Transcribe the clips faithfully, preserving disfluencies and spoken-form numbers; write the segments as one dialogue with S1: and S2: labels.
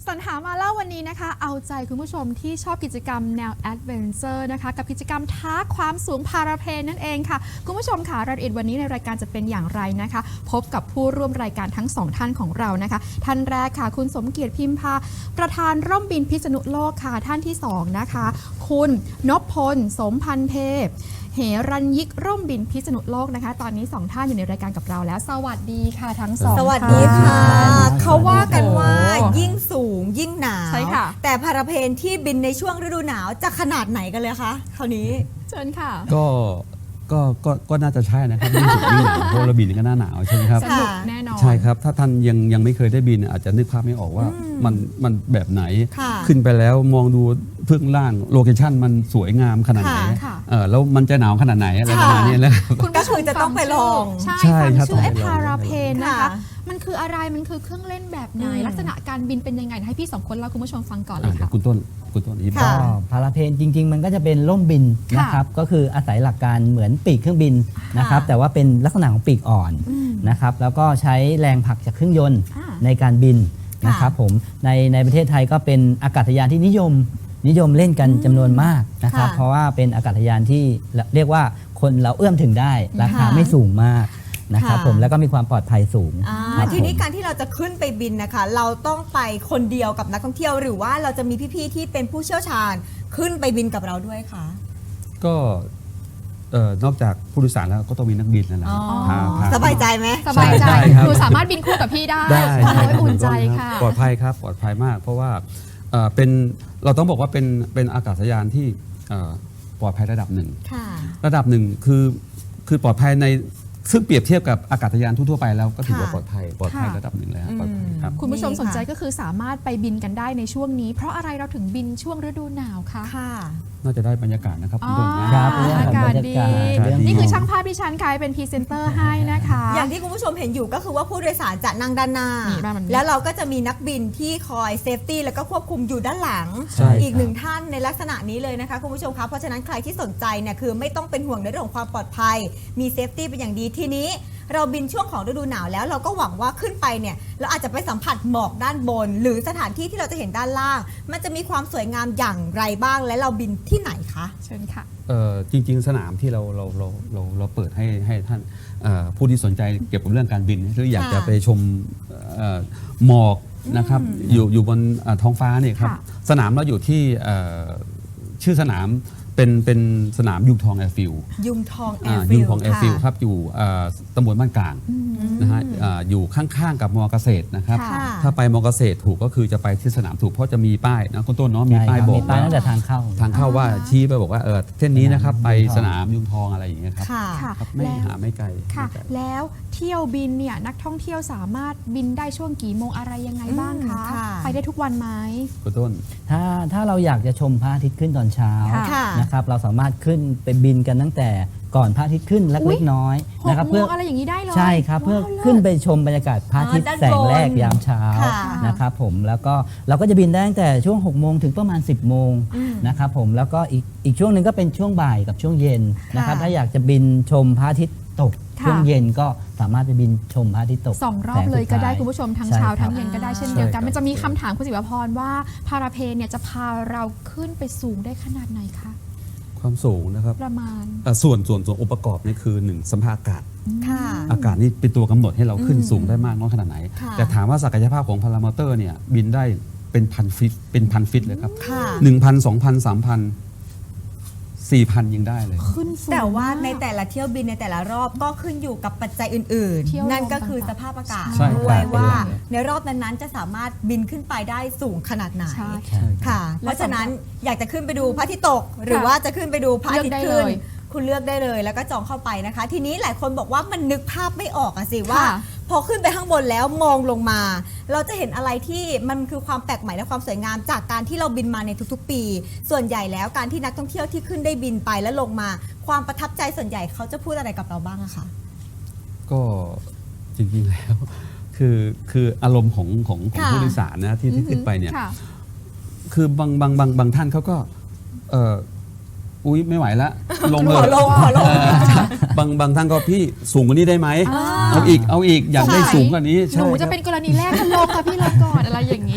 S1: สรรหามาเล่าวันนี้นะคะเอาใจคุณผู้ชมที่ชอบกิจกรรมแนวแอดเวนเจอร์นะคะกับกิจกรรมท้าความสูงพาราเพลนั่นเองค่ะคุณผู้ชมค่ะรายละเอียดวันนี้ในรายการจะเป็นอย่างไรนะคะพบกับผู้ร่วมรายการทั้งสองท่านของเรานะคะท่านแรกค่ะคุณสมเกียรติพิมพาประธานร่มบินพิษณุโลกค่ะท่านที่สองนะคะคุณนพพลสมพันเทพเหรัญยิกร่มบินพิษณุโลกนะคะตอนนี้สองท่านอยู่ในรายการกับเราแล้วสวัสดีค่ะทั้งสอง
S2: สวัสดีค่ะเขาว่ากันว่า
S1: โอ้
S2: ยิ่งสูงยิ่งหนาว
S1: ใช่ค่ะ
S2: แต่พาราเพลนที่บินในช่วงฤดูหนาวจะขนาดไหนกันเลยคะคราวนี้
S1: เชิญค่ะ
S3: ก็ก็ก็ก็น่าจะใช่นะครับยิ่งสูงยิ่งหนาวเพราะเราบินก็หน้าหนาวใช่ไหมครับ
S1: สนุกแน่นอน
S3: ใช่ครับถ้าท่านยังยังไม่เคยได้บินอาจจะนึกภาพไม่ออกว่ามันมันแบบไหน
S2: ค่ะ
S3: ขึ้นไปแล้วมองดูเบื้องล่างโลเคชั่นมันสวยงามขนาดไหน
S1: ค่ะ
S3: เออแล้วมันจะหนาวขนาดไหนอะไรประมาณนี้แหละครับ
S1: คุณผู้ชม
S2: ก็คือจะต้องไปลอง
S1: ใช่
S3: ใช่
S1: ฟัง
S3: ครับ
S1: ชื่อไอ้
S3: ต้องไปลอง
S1: พาราเพนนะคะ
S2: ค่ะ
S1: มันคืออะไรมันคือเครื่องเล่นแบบไหน
S2: อืม
S1: ลักษณะการบินเป็นยังไงให้พี่สองคนเล่าคุณผู้ชมฟังก่อนเล
S3: อ่ะ
S1: ย
S3: เดี๋ย
S1: ค่ะ
S3: วคุณต้นคุณต้นอีก
S2: ค่ะ
S4: ก็พาราเพนจริง ๆ มันก็จะเป็นร่มบิน
S1: ค่ะ
S4: นะครับก็คืออาศัยหลักการเหมือนปีกเครื่องบินนะครับ
S2: ค่ะ
S4: แต่ว่าเป็นลักษณะของปีกอ่อน
S1: อืม
S4: นะครับแล้วก็ใช้แรงผลักจากเครื่องยนต์
S1: อ่า
S4: ในการบิน
S2: ค่ะ
S4: นะครับผมในในประเทศไทยก็เป็นอากาศยานที่นิยมนิยมเล่นกันจำนวนมากนะครับ
S2: ค่ะ
S4: เพราะว่าเป็นอากาศยานที่เรียกว่าคนเราเอื้อมถึงได้ราคา
S2: ค่ะ
S4: ไม่สูงมากนะครับ
S2: ค่ะ
S4: ผมแล้วก็มีความปลอดภัยสูง
S2: อ่า
S4: ครับ
S2: ทีนี้
S4: ผม
S2: การที่เราจะขึ้นไปบินนะคะ เราต้องไปคนเดียวกับนักท่องเที่ยว หรือว่าเราจะมีพี่ๆที่เป็นผู้เชี่ยวชาญขึ้นไปบินกับเราด้วยคะ
S3: ก็เอ่อนอกจากผู้โดยสารแล้วก็ต้องมีนักบินนั่นแหละ
S2: อ๋อ
S3: พาพา
S2: สบายใจไหม
S1: สบายใจ
S3: ใช่ครับ
S1: คือสามารถบินคู่กับพี่ได้
S3: ได้
S1: โอ้
S3: ใช่
S1: ยอุ่นใจค่ะ
S3: ปลอดภัยครับปลอดภัยมาก เพราะว่าเอ่อเป็นเราต้องบอกว่าเป็นเป็นอากาศยานที่เอ่อปลอดภัยระดับหนึ่ง
S2: ค่ะ
S3: ระดับหนึ่งคือคือปลอดภัยในซึ่งเปรียบเทียบกับอากาศยานทั่วๆไปแล้วก็ถือว่า
S2: ค่ะ
S3: ปลอดภัยปลอดภัย
S1: ค่ะ
S3: ระดับหนึ่งเลยครับปลอดภัยครับ
S1: คุณผู้ชม
S2: นี่ค่ะ
S1: สนใจก็คือสามารถไปบินกันได้ในช่วงนี้ เพราะอะไรเราถึงบินช่วงฤดูหนาวคะ
S2: ค่ะ
S3: น่าจะได้บรรยากาศนะครับ
S1: อ๋
S3: คุ
S1: อ
S3: ณต้นนะครับ
S4: เรื่อง
S1: อา
S4: ของ
S1: กาศ
S4: บรร
S1: ดี
S4: ยากาศเรื่อง
S1: นี่คือ
S4: ของ
S1: ช่างภาพที่ฉันค่ะเป็นพรีเซนเตอร์ให้นะคะ
S2: อย่างที่คุณผู้ชมเห็นอยู่ก็คือว่าผู้โดยสารจะนั่งด้านหน้า
S1: นี่ด้านนี้
S2: แล้วเราก็จะมีนักบินที่คอยเซฟตี้แล้วก็ควบคุมอยู่ด้านหลัง
S3: ใช่ครับ
S2: อีกหนึ่งท่านในลักษณะนี้เลยนะคะคุณผู้ชมคะเพราะฉะนั้นใครที่สนใจเนี่ยคือไม่ต้องเป็นห่วงในเรื่องของความปลอดภัย มีเซฟตี้เป็นอย่างดีทีนี้ เราบินช่วงของฤดูหนาวแล้วเราก็หวังว่าขึ้นไปเนี่ยเราอาจจะไปสัมผัสหมอกด้านบน หรือสถานที่ที่เราจะเห็นด้านล่าง มันจะมีความสวยงามอย่างไรบ้าง และเราบินที่ไหนคะ
S1: เชิญค่ะ
S3: เอ่อจริง ๆ สนามที่เราเราเราเราเราเปิดให้ให้ท่านเอ่อผู้ที่สนใจเกี่ยวกับเรื่องการบินหรืออยาก
S2: ค่ะ
S3: จะไปชมเอ่อหมอกนะครับอยู่อยู่บนเอ่อท้องฟ้าเนี่ยครับ
S1: ค่ะ
S3: สนามเราอยู่ที่เอ่อชื่อสนามเป็นเป็นสนามยุงทองแอร์ฟิลด์
S2: ยุงทองแอ
S3: อ่า
S2: ร์ฟิ
S3: ยุง
S2: ล
S3: ทองแอร์ฟิลด์ครับอยู่เอ่อตำบลบ้านกลางนะฮะอ่าอยู่ข้างๆกับมอเกษตรนะครับ
S1: ค่ะ
S3: ถ้าไปมอเกษตรถูกก็คือจะไปที่สนามถูกเพราะจะมีป้ายนะคุณต้นเนาะมี
S4: ใช่
S3: ป้าย
S4: ครับ
S3: บอ
S4: มี
S3: ก
S4: ป้าย
S3: ว่า
S4: ตั้งแต่ทางเข้า
S3: ทางเข้าว่าชี้ไปบอกว่าเออเส้นนี้นะครับไปส
S4: ส
S3: นาน
S4: าม ม
S3: ยุงทองอะไรอย่างเงี้ยครับ
S2: ค่ะ
S1: ค่ะ
S3: ครับไม่
S1: แล้ว
S3: หาไม่ไกล
S1: ค่ะ
S3: ไม่ไกล
S1: แล้วเที่ยวบินเนี่ยนักท่องเที่ยวสามารถบินได้ช่วงกี่โมงอะไรยังไงบ้างคะ
S2: อืมค่ะ
S1: ไปได้ทุกวันไหม
S3: คุณต้น
S4: ถ้าถ้าเราอยากจะชมพระอาทิตย์ขึ้นตอนเช้า
S1: ค่ะ
S4: นะครับเราสามารถขึ้นไปบินกันตั้งแต่ก่อนพระอาทิตย์ขึ้นเ
S1: อุ๊
S4: ล็
S1: ย
S4: กๆน้อย
S1: ห
S4: นะ
S1: ก
S4: ครับ
S1: โม
S4: เพื่อง
S1: อะไรอย่างนี้ได้เลย
S4: ใช่ครับเพื่อ
S1: ว้าว
S4: ขึ้นไปชมบรรยากาศพระอาทิตย์
S2: อ๋อด้าน
S4: แสงแรก
S2: บน
S4: ยามเช้า
S2: ค่ะ
S4: นะครับผมแล้วก็เราก็จะบินได้ตั้งแต่ช่วงหกโมงถึงประมาณสิบโมง
S2: อืม
S4: นะครับผมแล้วก็อีกอีกช่วงหนึ่งก็เป็นช่วงบ่ายกับช่วงเย็นนะครับ
S2: ค่ะ
S4: ถ้าอยากจะบินชมพระอาทิตย์ตก
S1: ค่ะ
S4: ช่วงเย็นก็สามารถไปบินชมพระอาทิตย์ตก
S1: สองรอบเลยก็ได้
S4: แสงสุดท้าย
S1: คุณผู้ชมทั้ง
S4: ใช่
S1: เช้า
S4: ครับ
S1: ทั้งเย็นก็ได้เช่นเดียวกัน
S3: ใช่ครับ
S1: มันจะมีคำถามคุณศิวพรว่าพาราเพนเนี่ยจะพาเราขึ้นไปสูงได้ขนาดไหนคะ
S3: ความสูงนะครับ
S1: ประมาณ
S3: เอ่อส่วนส่วนส่วนองค์ประกอบนี่คือหนึ่งสัมภาระอากาศ
S2: ค่ะ
S3: อากาศนี่เป็นตัวกำหนดให้เราขึ้น
S2: อืม
S3: สูงได้มากน้อยขนาดไหน
S2: ค่ะ
S3: แต่ถามว่าศักยภาพของพารามอเตอร์เนี่ยบินได้เป็นพันฟิตเป็นพันฟิตเลยครับ
S2: ค่ะ
S3: หนึ่งพันสองพันสามพันสี่พันยังได้เลย
S1: ขึ้นสูง
S2: แต่ว่า
S1: าก
S2: ในแต่ละเที่ยวบินในแต่ละรอบก็ขึ้นอยู่กับปัจจัยอื่น
S1: เที่ยว
S2: ๆ นั่นก็
S1: ลม
S2: คือส
S1: ต่างๆ
S2: ภาพอากาศ
S3: ใช่
S2: ด้วย
S3: ครับ
S2: ว่า
S3: เป็นอย่างนั้น
S2: ในรอบนั้นๆจะสามารถบินขึ้นไปได้สูงขนาดไหน
S1: ใช่
S2: ค่ะ
S1: และ
S2: เพราะฉะนั้น
S1: สำหรับ
S2: อยากจะขึ้นไปดูพระอาทิตย์ตก หรือว่าจะขึ้นไปดูพระอาทิตย์
S1: เลือกได้
S2: ขึ้น
S1: เลย
S2: คุณเลือกได้เลยแล้วก็จองเข้าไปนะคะ ทีนี้หลายคนบอกว่ามันนึกภาพไม่ออกอะสิว่า
S1: ค่ะ
S2: พอขึ้นไปข้างบนแล้วมองลงมา เราจะเห็นอะไรที่มันคือความแปลกใหม่และความสวยงามจากการที่เราบินมาในทุกๆ ปี ส่วนใหญ่แล้วการที่นักท่องเที่ยวที่ขึ้นได้บินไปแล้วลงมา ความประทับใจส่วนใหญ่เขาจะพูดอะไรกับเราบ้างอะคะ
S3: ก็จริงๆแล้ว คือคืออารมณ์ของของของ
S2: ค่ะ
S3: ผู้โดยสารนะที่ที่ขึ้นไปเนี่ย
S1: ค่ะ
S3: คือบางบางบางบางท่านเขาก็เอออุ้ยไม่ไหวละลง
S2: ข
S3: เล
S2: อย ลงขอลง
S3: บางบางท่านก็พี่สูงกว่านี้ได้ไหม
S1: อ่า
S3: เอาอีกเอาอีกอยากได้
S1: ใช่
S3: สูงกว่านี้
S1: ห
S3: ใช่
S1: นู
S3: ค
S1: จะ
S3: รับ
S1: เป็นกรณีแรกถ้าลงค่ะพี่ลงก่อนอะไรอย่างนี้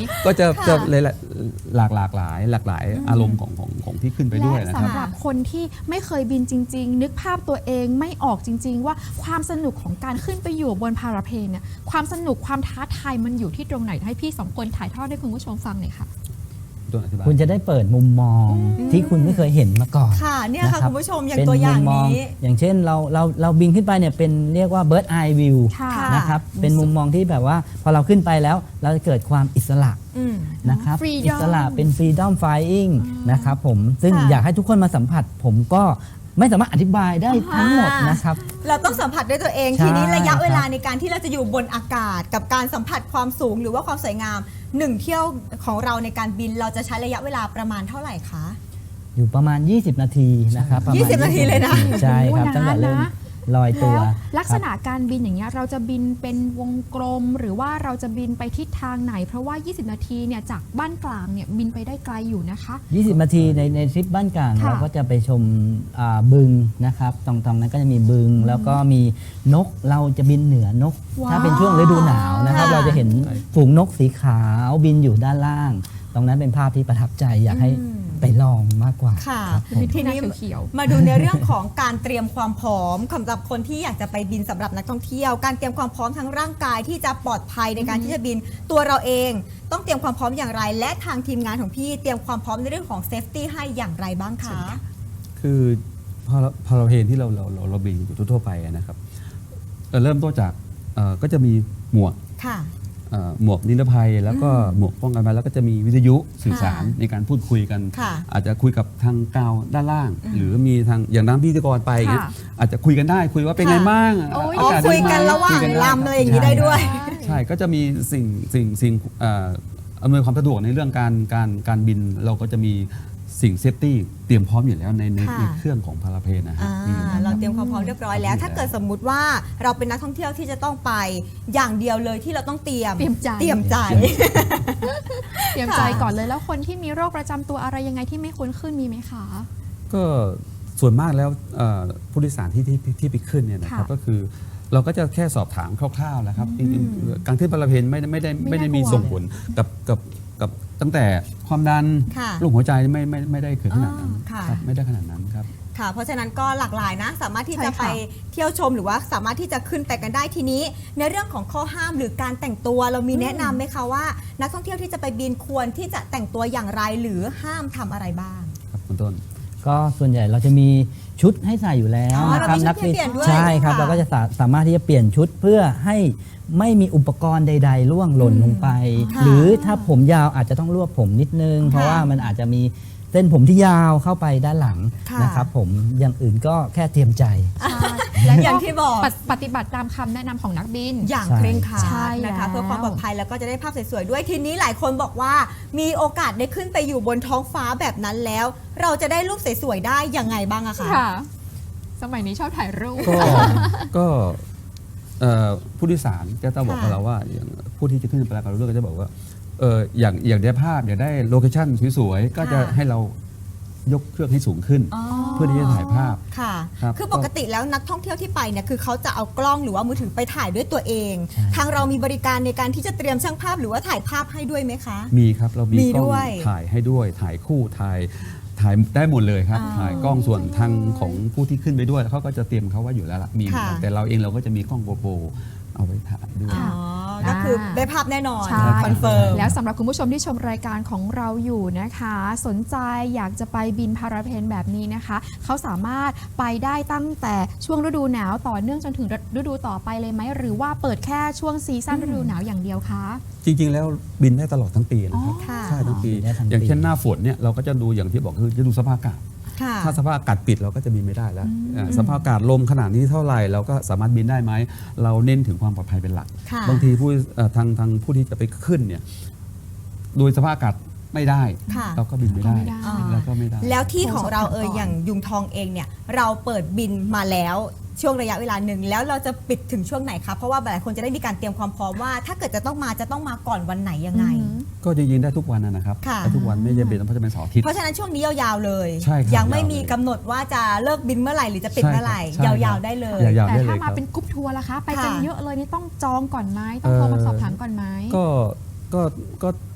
S3: ก็จะ
S2: ค่ะ
S3: จะเลยหลากหลากหลายหลากหลายอารมณ์ของของของที่ขึ้นไปด้วย
S1: และ
S3: นะครับ
S1: สำหรับคนที่ไม่เคยบินจริง ๆ นึกภาพตัวเองไม่ออกจริง ๆ ว่าความสนุกของการขึ้นไปอยู่บนพาราเพลนเนี่ยความสนุกความท้าทายมันอยู่ที่ตรงไหนให้พี่สองคนถ่ายทอดให้คุณผู้ชมฟังหน่อยค่ะ
S3: ต้นอธิบาย
S4: คุณจะได้เปิดมุมมองที่คุณไม่เคยเห็นมาก่อน
S2: ค่ะเนี่ยค่ะ
S4: รับ
S2: คุณผู้ชมอย่าง
S4: เป็น
S2: ตัวอย่าง
S4: มุมม
S2: นี้
S4: อย่างเช่นเราเราเราบินขึ้นไปเนี่ยเป็นเรียกว่า bird eye view
S1: ค่ะ
S4: นะครับเป็นมุมมองที่แบบว่าพอเราขึ้นไปแล้วเราจะเกิดความอิสระ
S2: อืม
S4: นะครับ
S1: Freedom
S4: อิสระเป็น freedom flying นะครับผมซึ่ง
S2: ค่ะ
S4: อยากให้ทุกคนมาสัมผัส ผมก็ไม่สามารถอธิบายได้ทั้งหมด
S2: อ่าน
S4: นะครับ
S2: เราต้องสัมผัสด้วยตัวเอง
S4: ใช่
S2: ทีนี้ระยะเวลา
S4: ครับ
S2: ในการที่เราจะอยู่บนอากาศ กับการสัมผัสความสูงหรือว่าความสวยงามหนึ่งเที่ยวของเราในการบินเราจะใช้ระยะเวลาประมาณเท่าไหร่คะ
S4: อยู่ประมาณ ยี่สิบ นาทีนะครับประมาณ
S2: ยี่สิบนาทีเลยนะ
S4: ใช่ครับ
S1: โอ้
S4: ตั้งแต่เริ่ม
S1: นานนะ
S4: ลอยตัว
S1: แล้วลักษณะ
S4: ครับ
S1: การบินอย่างเงี้ยเราจะบินเป็นวงกลม หรือว่าเราจะบินไปทิศทางไหน เพราะว่า ยี่สิบ นาทีเนี่ยจากบ้านกลางเนี่ยบินไปได้ไกลอยู่นะคะ
S4: ยี่สิบ นาทีในในทริปบ้านกลาง
S1: ค่ะ
S4: เราก็จะไปชมอ่าบึงนะครับตรงตรงนั้นก็จะมีบึง แล้วก็มีนกเราจะบินเหนือนก
S1: ว้าว
S4: ถ้าเป็นช่วงฤดูหนาวนะครับ
S2: ค่ะ
S4: เราจะเห็นฝูงนกสีขาวบินอยู่ด้านล่าง ตรงนั้นเป็นภาพที่ประทับใจอยากให้
S2: อืม
S4: ไปลองมากกว่า
S2: ค่ะ
S4: ครับผม
S2: ทีนี้
S1: เขียว
S2: มาดูในเรื่องของการเตรียมความพร้อมสำหรับคนที่อยากจะไปบินสำหรับนักท่องเที่ยว การเตรียมความพร้อมทั้งร่างกายที่จะปลอดภัยในการที่จะบินตัวเราเอง ต้องเตรียมความพร้อมอย่างไร และทางทีมงานของพี่เตรียมความพร้อมในเรื่องของเซฟตี้ให้อย่างไรบ้างคะ
S3: คือพอเราพอเราเพลนที่เราเราเราเราบินอยู่ทั่วๆไปอะนะครับเอ่อเริ่มต้นจากเอ่อก็จะมีหมวก
S2: ค่ะ
S3: เอ่อหมวกนิรภัย แล้วก็หมวกป้องกันภัยแล้วก็จะมีวิทยุสื่อสาร
S2: ค่ะ
S3: ในการพูดคุยกัน
S2: ค่ะ
S3: อาจจะคุยกับทางกาวด้านล่าง หรือมีทางอย่างน้ำพิธีกรไปอย่างเงี้ย
S1: ค่ะ
S3: อาจจะคุยกันได้คุยว่าเป็นไง
S2: ค่ะ
S3: บ้าง
S1: โอ้ย
S2: อ๋อ
S3: ากาศ
S2: คุย
S3: ดีไหม
S2: กันระหว่าง
S3: คุยกันได้
S2: ลำอะไรอย่างนี้ได้ด้วย
S3: ใช่ก็จะมีสิ่งสิ่งสิ่งเอ่ออำนวยความสะดวกในเรื่องการการการบินเราก็จะมีสิ่งเซฟตี้เตรียมพร้อมอยู่แล้วในใน
S2: ค่ะ
S3: ในเครื่องของพาราเพลนนะฮะ
S2: อ่า
S3: มีอยู่แล้ว
S2: เราเตรียมความพร้อมเรียบร้อยแล้ว ถ้าเกิดสมมุติว่าเราเป็นนักท่องเที่ยวที่จะต้องไปอย่างเดียวเลยที่เราต้องเตรียม
S1: เตรียมใจ
S2: เตรียมใจ
S1: เตรียมใจก่อนเลยแล้วคนที่มีโรคประจำตัวอะไรยังไงที่ไม่ควรขึ้นมีไหมคะ
S3: ก็ส่วนมากแล้วเอ่อผู้โดยสารที่ที่ที่ไปขึ้นเนี่ยนะครับ
S1: ค่ะ
S3: ก็คือเราก็จะแค่สอบถามคร่าวๆแล้วครับจริงๆการขึ้นพาราเพลนไม่ได้ไม่ได้
S1: ไม่
S3: ไม่ได้
S1: น่ากลัว
S3: มีส่งผลกับกับกับตั้งแต่ความดัน
S2: ค่ะ
S3: โรคหัวใจไม่ไม่ไม่ได้เกิดขนาดนั้น
S2: อ่าค่ะ
S3: ครับไม่ได้ขนาดนั้นครับ
S2: ค่ะ เพราะฉะนั้นก็หลากหลายนะ สามารถที่
S1: ใช่
S2: จะ
S1: ค่ะ
S2: ไปเที่ยวชมหรือว่าสามารถที่จะขึ้นไปกันได้ทีนี้ ในเรื่องของข้อห้ามหรือการแต่งตัวเรามีแนะนำไหมคะว่า นักท่องเที่ยวที่จะไปบินควรที่จะแต่งตัวอย่างไรหรือห้ามทำอะไรบ้าง
S3: ครับคุณต้น
S4: ก็ส่วนใหญ่เราจะมีชุดให้ใส่อยู่แล้ว
S2: อ๋อ
S4: นะครับ
S2: เรามีชุดให้เปลี่ยนด้วย
S4: ใช่ครับ
S2: ค่ะ
S4: เราก็จะสาสามารถที่จะเปลี่ยนชุดเพื่อให้ไม่มีอุปกรณ์ใด ๆ ล่วงหล่นลงไป
S2: ค่ะ
S4: หรือถ้าผมยาวอาจจะต้องรวบผมนิดนึง เพราะว่ามันอาจจะมีเส้นผมที่ยาวเข้าไปด้านหลัง
S2: ค่ะ
S4: นะครับผมอย่างอื่นก็แค่เตรียมใจ
S1: ใช่และ
S2: อย่างที่บอก
S1: ปฏิปฏิบัติตามคำแนะนำของนักบิน
S2: อย่าง
S4: ใช่
S2: เคร่งครั
S1: ใช่
S2: ดนะคะ
S1: แล้ว
S2: เพื่อความปลอดภัยแล้วก็จะได้ภาพสวยๆด้วยทีนี้หลายคนบอกว่ามีโอกาสได้ขึ้นไปอยู่บนท้องฟ้าแบบนั้นแล้ว เราจะได้รูปสวยๆได้ยังไงบ้างอะคะ
S1: ค่ะ สมัยนี้ชอบถ่ายรูป
S3: ก็ก็เอ่อผู้โดยสารก็จะบอก
S2: ค่ะ
S3: กับเราว่าอย่างผู้ที่จะขึ้นไปกับเราด้วยก็จะบอกว่าเอออย่างอย่างได้ภาพอยากได้โลเคชั่นสวยๆก็จะ
S2: ค่ะ
S3: ให้เรายกเครื่องให้สูงขึ้น
S2: อ๋อ
S3: เพื่อที่จะถ่ายภาพ
S2: ค่ะ
S3: ครับ
S2: คือปกติแล้วนักท่องเที่ยวที่ไปเนี่ยคือเขาจะเอากล้องหรือว่ามือถือไปถ่ายด้วยตัวเอง
S4: ใช่
S2: ทางเรามีบริการในการที่จะเตรียมช่างภาพหรือว่าถ่ายภาพให้ด้วยไหมคะ
S3: มีครับเรามี
S2: มี
S3: กล้อง
S2: ด้วย
S3: ถ่ายให้ด้วยถ่ายคู่ถ่ายถ่ายได้หมดเลยครับ
S2: อ๋อ
S3: ถ่ายกล้องส่วนทางของผู้ที่ขึ้นไปด้วยเขาก็จะเตรียมเขาไว่าอยู่แล้วล่ะมีเหมือนกัน
S2: ค่ะ
S3: แต่เราเองเราก็จะมีกล้องโกโปรเอาไว้ถ่ายด้วย
S2: อ๋อก็คือได้ภาพแน่นอน
S1: ใช่
S2: คอนเฟิร์ม
S1: แล้วสำหรับคุณผู้ชมที่ชมรายการของเราอยู่นะคะ สนใจอยากจะไปบินพาราเพลนแบบนี้นะคะ เขาสามารถไปได้ตั้งแต่ช่วงฤดูหนาวต่อเนื่องจนถึงฤดูต่อไปเลยไหมหรือว่าเปิดแค่ช่วงซีซั่นฤดูหนาวอย่างเดียวคะ
S3: จริงๆ แล้วบินได้ตลอดทั้งปีนะครับ
S2: ค่ะ
S3: ใช่ทั้งปี
S4: บินได้ทั้งปี
S3: อย่างเช่นหน้าฝนเนี่ยเราก็จะดูอย่างที่บอกคือจะดูสภาพอากาศ
S2: ค่ะ
S3: ถ้าสภาพอากาศปิดเราก็จะบินไม่ได้แล้วอ่าสภาพอากาศลมขนาดนี้เท่าไหร่เราก็สามารถบินได้ไหมเราเน้นถึงความปลอดภัยเป็นหลัก
S2: ค่ะ
S3: บางทีผู้เอ่อทางทางผู้ที่จะไปขึ้นเนี่ยโดยสภาพอากาศไม่ได้
S2: ค่ะ
S3: เราก็บินไม่ได้
S1: ก็ไม่ได้
S3: แล้วก็ไม่ได้
S2: แล้วที่ของเราเออ
S1: โทรสอบถามก่อน
S2: อย่างยุงทองเองเนี่ยเราเปิดบินมาแล้วช่วงระยะเวลาหนึ่งแล้วเราจะปิดถึงช่วงไหนคะเพราะว่าหลายคนจะได้มีการเตรียมความพร้อมว่า ถ้าเกิดจะต้องมาจะต้องมาก่อนวันไหนยังไง
S1: อืม
S3: ก็จริงๆได้ทุกวันนะนะครับ
S2: ค่ะ
S3: ได้ทุกวันไม่จำเป็นต้องจะเป็นเสาร์อาทิตย์
S2: เพราะฉะนั้นช่วงนี้ยาวๆเลย
S3: ใช่ครับ
S2: ยังไม่
S3: ยาวเลย
S2: มีกำหนดว่าจะเลิกบินเมื่อไหร่หรือจะปิดเมื่อไหร่
S3: ใช่ครับ
S2: ยาวๆได้เลย
S3: ยาวๆ
S1: แต่
S3: ได้เล
S1: ถ้าย
S3: ค
S1: มา
S3: รับ
S1: เป็นกรุ๊ปทัวร์ล่ะคะ ไปกัน
S2: ค่ะ
S1: เยอะเลยนี่ต้องจองก่อนไหมต้องโทรมาสอบถามก่อนไหม
S3: ก็ก็ก็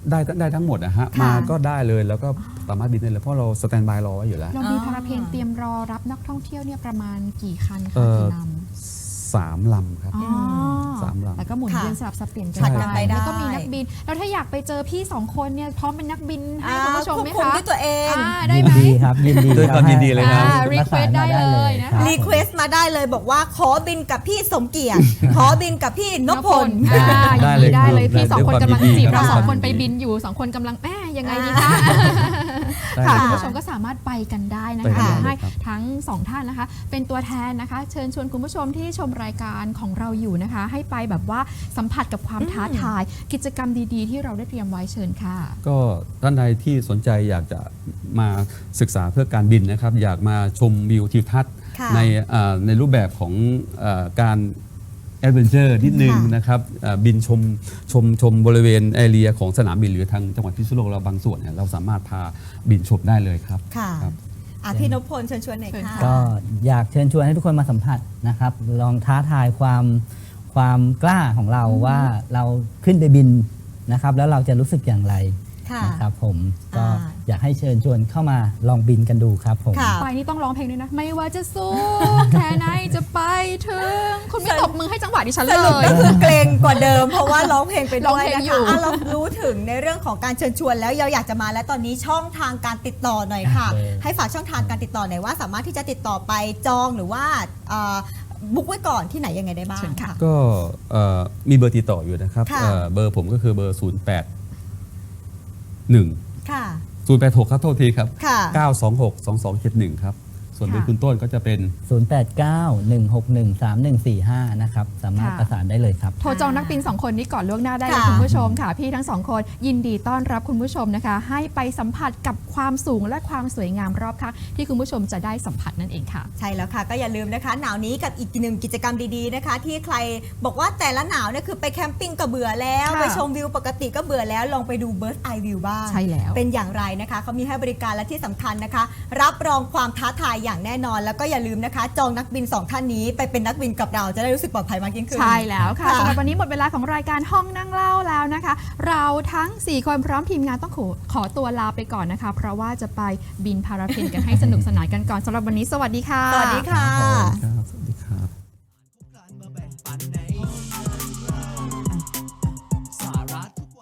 S3: ได้ได้ทั้งหมดนะฮะ
S2: ค่ะ
S3: มาก็ได้เลยแล้วก็สามารถบินได้เลยเพราะเราสแตนบายรอไว้อยู่แล้ว
S1: เรามีพาราเพลนเตรียมรอรับนักท่องเที่ยวเนี่ยประมาณกี่คัน
S3: เอ่
S1: คะ
S3: อ
S1: กี่ลำ
S3: สามลำครับ
S1: อ๋อ
S3: สามลำ
S1: แล้วก็หมุน
S2: ค่ะ
S1: เวียนสลับสับเปลี่ยนกั
S2: ผลัดกันไปได้
S1: แล้วก็มีนักบิน แล้วถ้าอยากไปเจอพี่สองคนเนี่ยพร้อมเป็นนักบินให้
S2: อ่า
S1: คุณผู้ชมไหม
S2: ควบคุ
S1: คะ
S2: ด้วยตัวเอง
S1: อ่าได้ไหม
S4: ยินดีครับยินดี
S3: ด้วยความยินดีเลยครับ
S1: อ่า request ได้เลยนะคะ
S2: รีเควสต์มาได้เลยบอกว่าขอบินกับพี่สมเกียรติ ขอบินกับพี่นพพล
S1: อ่า
S3: ได้เลย
S1: ได้เลย
S3: ครับ
S1: พี่สองคน
S3: ด้วย
S1: กำลัง
S3: ความยินดี
S1: จีบเรา
S3: ครับ
S1: สองคนไปบินอยู่สองคนกำลังแม่ยังไงดีคะ
S3: ได้
S1: ค่ะ
S3: เลย
S1: คุณ
S3: ครับ
S1: ผู้ชมก็สามารถไปกันได้นะ
S3: ไปกั
S1: คะ
S3: นได้
S1: ให้
S3: เลยครับ
S1: ทั้งสองท่านนะคะ เป็นตัวแทนนะคะ เชิญชวนคุณผู้ชมที่ชมรายการของเราอยู่นะคะ ให้ไปแบบว่าสัมผัสกับความท้าทาย กิจกรรมดีๆ ที่เราได้เตรียมไว้เชิญค่ะ
S3: ก็ท่านใดที่สนใจอยากจะมาศึกษาเพื่อการบินนะครับ อยากมาชมวิวทิวทัศน์
S2: ค่ะ
S3: ในอ่าในรูปแบบของอาการแอดเวนเจอร์นิดนึง
S2: ค่ะ
S3: นะครับอ่าบินชมชมชมบริเวณแอเรียของสนามบินหรือทางจังหวัดพิษณุโลกเราบางส่วนเนี่ยเราสามารถพาบินชมได้เลยครับ
S2: ค่ะ
S3: ครับ
S2: อ่ะพี่นพพลเชิญชวนหน่อย
S1: เชิญ
S2: ค่ะ
S1: ค่ะ
S4: ก็อยากเชิญชวนให้ทุกคนมาสัมผัสนะครับ ลองท้าทายความความกล้าของเราว่าเราขึ้นไปบินนะครับ แล้วเราจะรู้สึกอย่างไร
S2: ค่ะ
S4: นะครับผมก็
S2: อ่า
S4: อยากให้เชิญชวนเข้ามาลองบินกันดูครับผม
S2: ค่ะ
S1: ไปนี่ต้องร้องเพลงด้วยนะ ไม่ว่าจะสู้ แค่ไหนจะไปถึง คุณไม่ตบมือให้จังหวะดิฉัน
S2: ส
S1: เล
S2: รุป
S1: ย
S2: ก็คือเกรงกว่าเดิม เพราะว่าร้องเพลงไป
S1: ร้อง
S2: ด้วย
S1: เพลง
S2: นะ
S1: อยู่
S2: คะอ่ะเรารู้ถึงในเรื่องของการเชิญชวนแล้วเราอยากจะมาแล้วตอนนี้ช่องทางการติดต่อหน่อยค่ะ
S4: โอเค
S2: ให้ฝากช่องทางการติดต่อหน่อยว่าสามารถที่จะติดต่อไปจองหรือว่าเอ่อบุ๊กไว้ก่อนที่ไหนยังไงได้บ้าง
S1: เชิญค่ะ
S3: ก็เอ่อมีเบอร์ติดต่ออยู่นะครับ
S2: ค่ะ
S3: เอ่อเบอร์ผมก็คือเบอร์ ศูนย์ แปด หนึ่ง
S2: ค่ะ
S3: ศูนย์ แปด หก ครับโทษทีครับ
S2: ค่ะ
S3: เก้า สอง หก สอง สอง เจ็ด หนึ่ง ครับ ส่วนเบอร์
S2: ค่ะ
S3: คุณต้นก็จะเป็น
S4: ศูนย์ แปด เก้า หนึ่ง หก หนึ่ง สาม หนึ่ง สี่ ห้า นะครับ สามารถ
S1: ค่ะ
S4: ประสานได้เลยครับ
S1: โทรจองนักบินสองคนนี้ก่อนล่วงหน้าได้เลย
S2: ค่ะ
S1: คุณผู้ชมค่ะ พี่ทั้งสองคนยินดีต้อนรับคุณผู้ชมนะคะ ให้ไปสัมผัสกับความสูงและความสวยงามรอบข้างที่คุณผู้ชมจะได้สัมผัสนั่นเองค่ะ
S2: ใช่แล้วค่ะก็อย่าลืมนะคะ หนาวนี้กับอีกหนึ่งกิจกรรมดีๆนะคะ ที่ใครบอกว่าแต่ละหนาวเนี่ยคือไปแคมปิ้งก็เบื่อแล้ว
S1: ค่ะ
S2: ไปชมวิวปกติก็เบื่อแล้วลองไปดู Bird Eye View บ้าง
S1: ใช่แล้ว
S2: เป็นอย่างไรนะคะเขามีให้บริการและที่สำคัญนะคะ รับรองความท้าทายอย่างแน่นอน แล้วก็อย่าลืมนะคะ จองนักบินสองท่านนี้ไปเป็นนักบินกับเราจะได้รู้สึกปลอดภัยมากยิ่งขึ้น
S1: ใช่แล้วค่ะ
S2: ค่ะ
S1: สำหรับวันนี้หมดเวลาของรายการห้องนั่งเล่าแล้วนะคะ เราทั้งสี่คนพร้อมทีมงานต้องขอขอตัวลาไปก่อนนะคะ เพราะว่าจะไปบินพาราเพลนกันให้สนุกสนานกันก่อนสำหรับวันนี้สวัสดีค่ะ
S2: สวัสดีค่ะ
S3: ครับ